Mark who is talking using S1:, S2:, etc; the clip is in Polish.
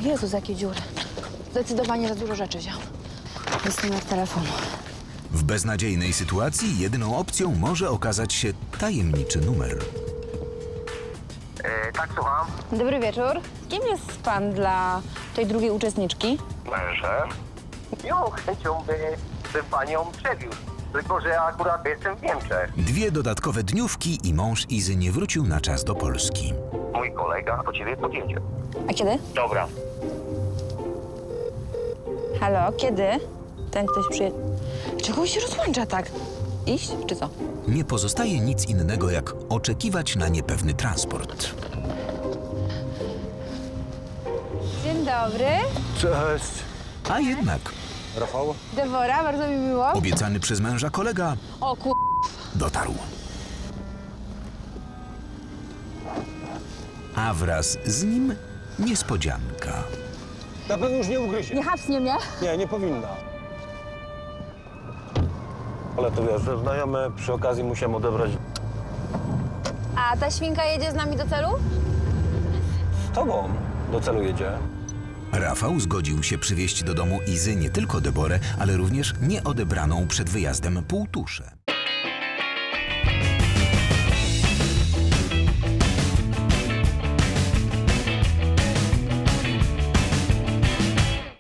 S1: Jezus, jakie dziury. Zdecydowanie za dużo rzeczy wziął. Jest numer telefonu.
S2: W beznadziejnej sytuacji jedyną opcją może okazać się tajemniczy numer.
S3: Tak, słucham.
S1: Dobry wieczór. Kim jest pan dla tej drugiej uczestniczki?
S3: Mężem. Ją chęcią by panią przewiózł. Tylko że akurat jestem w Niemczech.
S2: 2 dodatkowe dniówki i mąż Izy nie wrócił na czas do Polski.
S3: Mój kolega po ciebie podjedzie.
S1: A kiedy?
S3: Dobra.
S1: Halo, kiedy? Ten ktoś przyjedzie. Czego on się rozłącza tak? Iść czy co?
S2: Nie pozostaje nic innego, jak oczekiwać na niepewny transport.
S1: Dzień dobry.
S4: Cześć.
S2: A jednak
S4: Rafał?
S1: Dewora, bardzo mi miło.
S2: obiecany przez męża kolega
S1: O ku...
S2: dotarł. A wraz z nim niespodzianka.
S4: Na pewno już nie ugryzie.
S1: Nie hapsnie mnie.
S4: Nie, nie powinna. Ale to wiesz, że znajomy przy okazji musiałem odebrać
S1: A ta świnka jedzie z nami do celu?
S4: z tobą. Do celu jedzie.
S2: Rafał zgodził się przywieźć do domu Izy nie tylko Deborę, ale również nieodebraną przed wyjazdem półtuszę.